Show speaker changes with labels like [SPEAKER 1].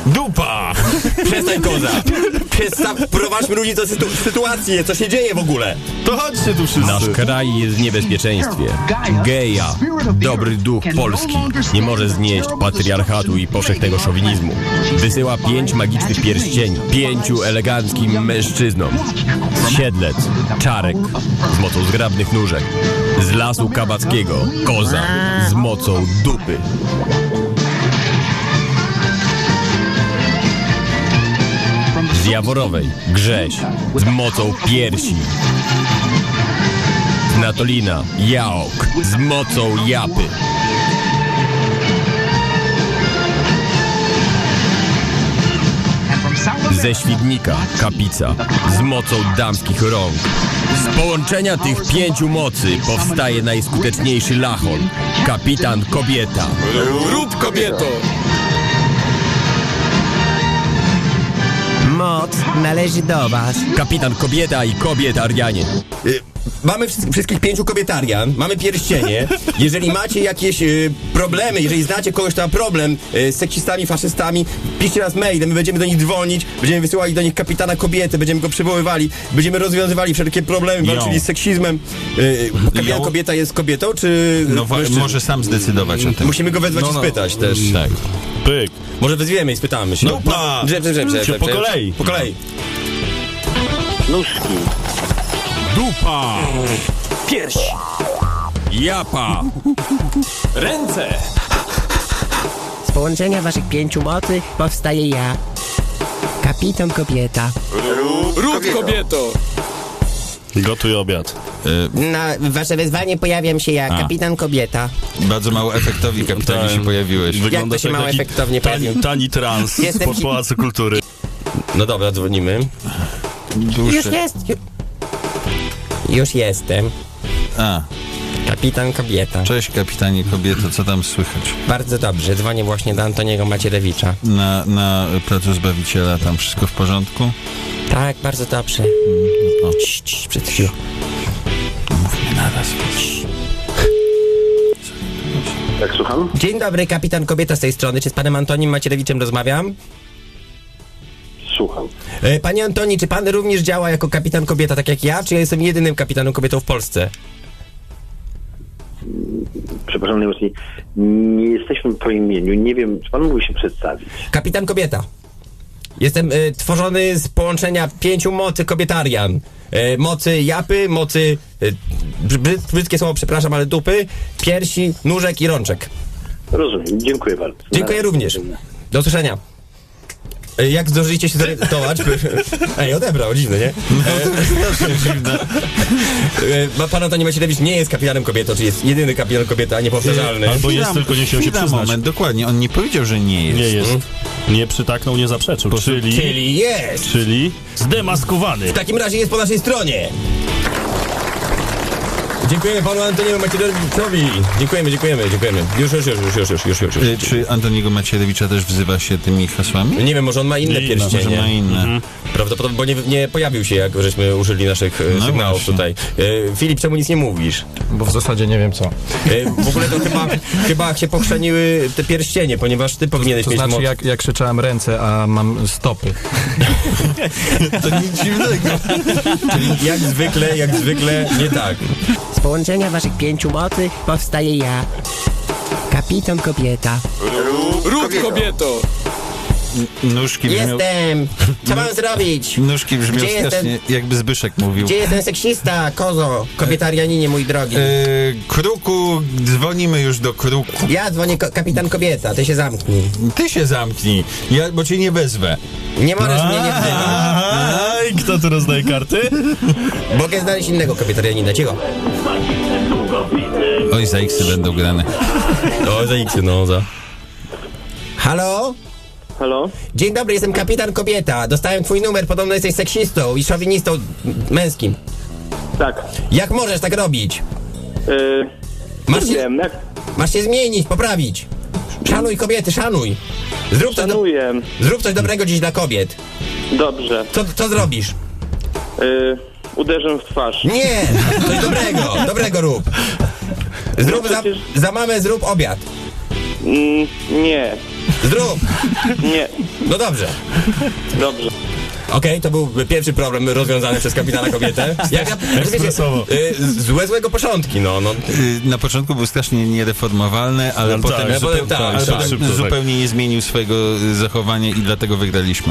[SPEAKER 1] Dupa!
[SPEAKER 2] Przestań, koza! Prowadźmy ludzi do sytuacji, co się dzieje w ogóle?
[SPEAKER 1] To chodźcie tu wszyscy.
[SPEAKER 3] Nasz kraj jest w niebezpieczeństwie. Geja, dobry duch Polski, nie może znieść patriarchatu i powszechnego szowinizmu. Wysyła 5 magicznych pierścieni 5 eleganckim mężczyznom. Siedlec, Czarek z mocą zgrabnych nóżek. Z lasu kabackiego, koza z mocą dupy. Z Jaworowej, Grześ z mocą piersi. Z Natolina, Jaok z mocą japy. Ze Świdnika, Kapica z mocą damskich rąk. Z połączenia tych 5 mocy powstaje najskuteczniejszy lachon. Kapitan Kobieta.
[SPEAKER 1] Rób, kobieto!
[SPEAKER 4] Moc należy do was.
[SPEAKER 3] Kapitan Kobieta i kobietarianie.
[SPEAKER 2] Mamy wszystkich 5 kobietarian, mamy pierścienie. Jeżeli macie jakieś problemy, jeżeli znacie kogoś, kto ma problem z seksistami, faszystami, piszcie nas mailem, my będziemy do nich dzwonić, będziemy wysyłali do nich kapitana kobiety, będziemy go przywoływali, będziemy rozwiązywali wszelkie problemy, walczyli z seksizmem. Kapitan kobieta jest kobietą, czy...
[SPEAKER 1] No może sam zdecydować o tym.
[SPEAKER 2] Musimy go wezwać i spytać też.
[SPEAKER 1] Tak. Pyk.
[SPEAKER 2] Może wezwiemy i spytamy się.
[SPEAKER 1] Dupa! Po kolei.
[SPEAKER 2] Po kolei.
[SPEAKER 5] Nóżki.
[SPEAKER 3] Dupa!
[SPEAKER 5] Pierś.
[SPEAKER 3] Japa!
[SPEAKER 1] Ręce!
[SPEAKER 4] Z połączenia waszych 5 mocy powstaje ja. Kapitan Kobieta.
[SPEAKER 1] Rób, kobieto! Gotuj obiad.
[SPEAKER 4] Na wasze wezwanie pojawiam się ja, Kapitan Kobieta.
[SPEAKER 1] Bardzo mało efektownie, kapitanie, się pojawiłeś.
[SPEAKER 4] Jak to się mało efektownie pojawił?
[SPEAKER 1] Tani trans
[SPEAKER 4] Jestem
[SPEAKER 1] spod Pałacu Kultury.
[SPEAKER 2] No dobra, dzwonimy.
[SPEAKER 4] Już jest. Już jestem.
[SPEAKER 1] A,
[SPEAKER 4] Kapitan Kobieta.
[SPEAKER 1] cześć kapitanie kobieto, co tam słychać?
[SPEAKER 4] Bardzo dobrze, dzwonię właśnie do Antoniego Macierewicza.
[SPEAKER 1] Na Placu Zbawiciela tam wszystko w porządku?
[SPEAKER 4] Tak, bardzo dobrze.
[SPEAKER 1] O,
[SPEAKER 4] Cii, przed chwilą.
[SPEAKER 1] mówmy naraz.
[SPEAKER 5] Tak, słucham?
[SPEAKER 4] Dzień dobry, Kapitan Kobieta z tej strony. Czy z panem Antonim Macierewiczem rozmawiam?
[SPEAKER 5] Słucham.
[SPEAKER 4] Panie Antoni, czy pan również działa jako Kapitan Kobieta, tak jak ja? Czy ja jestem jedynym kapitanem kobietą w Polsce?
[SPEAKER 5] Przepraszam najmocniej. Nie jesteśmy po imieniu. Nie wiem, czy pan mógłby się przedstawić?
[SPEAKER 4] Kapitan Kobieta. Jestem tworzony z połączenia 5 mocy kobietarian. Mocy japy, mocy... brzydkie słowo, przepraszam, ale dupy, piersi, nóżek i rączek.
[SPEAKER 5] Rozumiem. Dziękuję bardzo.
[SPEAKER 4] Dziękuję również. Do usłyszenia. Jak zdążyliście się zorientować? Ej, odebrał, dziwne, nie? Pan Antoni Macierewicz nie jest kapitanem kobietą, czyli jest jedyny kapitan kobieta, niepowtarzalny.
[SPEAKER 6] Albo jest, tylko nie chciał się przyznać.
[SPEAKER 1] Moment, dokładnie, on nie powiedział, że nie jest.
[SPEAKER 6] Nie jest. Nie przytaknął, nie zaprzeczył.
[SPEAKER 4] Czyli jest!
[SPEAKER 6] Czyli zdemaskowany.
[SPEAKER 4] W takim razie jest po naszej stronie. Dziękujemy panu Antoniemu Macierewiczowi. Dziękujemy. Już.
[SPEAKER 1] Czy Antoniego Macierewicza też wzywa się tymi hasłami?
[SPEAKER 4] Nie wiem, może on ma inne
[SPEAKER 6] Nie,
[SPEAKER 4] pierścienie.
[SPEAKER 1] Może ma inne.
[SPEAKER 4] Prawdopodobnie, bo nie pojawił się, jak żeśmy użyli naszych sygnałów
[SPEAKER 1] właśnie.
[SPEAKER 4] tutaj. Filip, czemu nic nie mówisz?
[SPEAKER 7] Bo w zasadzie nie wiem co.
[SPEAKER 4] W ogóle to chyba się pochrzeniły te pierścienie, ponieważ ty powinieneś
[SPEAKER 7] To
[SPEAKER 4] mieć
[SPEAKER 7] znaczy
[SPEAKER 4] moc.
[SPEAKER 7] jak krzyczałem ręce, a mam stopy.
[SPEAKER 1] To nic dziwnego.
[SPEAKER 4] Czyli jak zwykle nie tak.
[SPEAKER 8] Z połączenia waszych 5 mocy powstaje ja. Kapitan Kobieta.
[SPEAKER 1] Rób, kobieto! Nóżki brzmią...
[SPEAKER 4] Jestem! Co mam zrobić?
[SPEAKER 1] Nóżki brzmią
[SPEAKER 4] Gdzie jest
[SPEAKER 1] strasznie, jakby Zbyszek mówił.
[SPEAKER 4] Gdzie jest ten seksista, kozo? Kobietarianinie, mój drogi.
[SPEAKER 1] Kruku, dzwonimy już do Kruku.
[SPEAKER 4] Ja dzwonię, kapitan kobieta, ty się zamknij.
[SPEAKER 1] Ty się zamknij, bo cię nie wezwę.
[SPEAKER 4] Nie możesz mnie nie wzywać.
[SPEAKER 6] Aj, kto tu rozdaje karty?
[SPEAKER 4] Mogę znaleźć innego kobietarianina, cicho.
[SPEAKER 1] Oj, za X-y będą grane.
[SPEAKER 4] O, za X-y, no, za. Halo?
[SPEAKER 5] Halo?
[SPEAKER 4] Dzień dobry, jestem kapitan kobieta. Dostałem twój numer, podobno jesteś seksistą i szowinistą męskim.
[SPEAKER 5] Tak.
[SPEAKER 4] Jak możesz tak robić?
[SPEAKER 5] Nie wiem, jak...
[SPEAKER 4] Masz się zmienić, poprawić. Szanuj kobiety, szanuj.
[SPEAKER 5] Szanuję.
[SPEAKER 4] Zrób coś dobrego dziś dla kobiet.
[SPEAKER 5] Dobrze.
[SPEAKER 4] Co zrobisz?
[SPEAKER 5] Uderzę w twarz.
[SPEAKER 4] Nie! Coś dobrego rób. Zrób za mamę, zrób obiad.
[SPEAKER 5] Nie.
[SPEAKER 2] Zrób!
[SPEAKER 5] Nie.
[SPEAKER 2] No dobrze.
[SPEAKER 5] Dobrze.
[SPEAKER 2] Okej, to był pierwszy problem rozwiązany przez kapitana kobietę.
[SPEAKER 6] Ekspresowo.
[SPEAKER 2] Złego początki, no.
[SPEAKER 1] Na początku był strasznie niereformowalny, ale
[SPEAKER 6] No
[SPEAKER 1] potem,
[SPEAKER 6] tak,
[SPEAKER 2] potem tak,
[SPEAKER 1] ale
[SPEAKER 2] tak.
[SPEAKER 1] potem
[SPEAKER 6] Szybko, tak.
[SPEAKER 1] zupełnie nie zmienił swojego zachowania i dlatego wygraliśmy.